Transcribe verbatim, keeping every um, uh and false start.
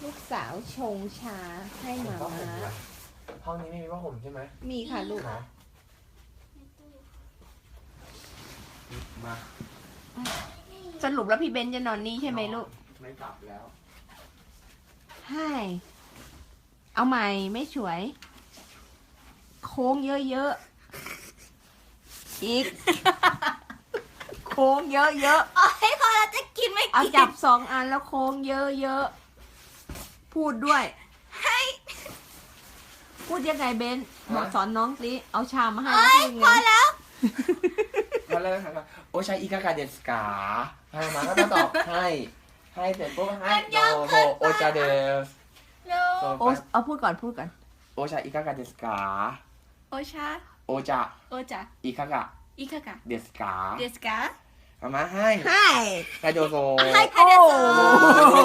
ลูกสาวชงชาให้หมาม้าห้องนี้ไม่มีผ้าห่มใช่ไหมมีค่ะลูกนะมาสรุปแล้วพี่เบนจะนอนนี่ใช่ไหมลูกไม่กลับแล้วให้เอาใหม่ไม่สวย โค้งเยอะๆ อีก โค้งเยอะโอ้ยพอเราจะกินไม่ๆ เอากินจับสองอันแล้วโค้งเยอะๆ พูดด้วยให้พูดยังไงเบนบอกสอนน้องสิ เอาชามมาให้โอ้แล้วยพูดพอไงแล้วมาเลยค่ะโอชาอิกากาเดสกาให้มาก็จะตอบให้ ให้เสร็จปุ๊บให้โดโฮโอชาเดสเร็วโอเอาพูดก่อนพูดก่อนโอชาอิกากาเดสกาโอชาโอจาโอจ่าอิกากะอีกค่ะเดสกาเดสกาเอามาให้ให้ให้โดโซให้ค่ะเดสกา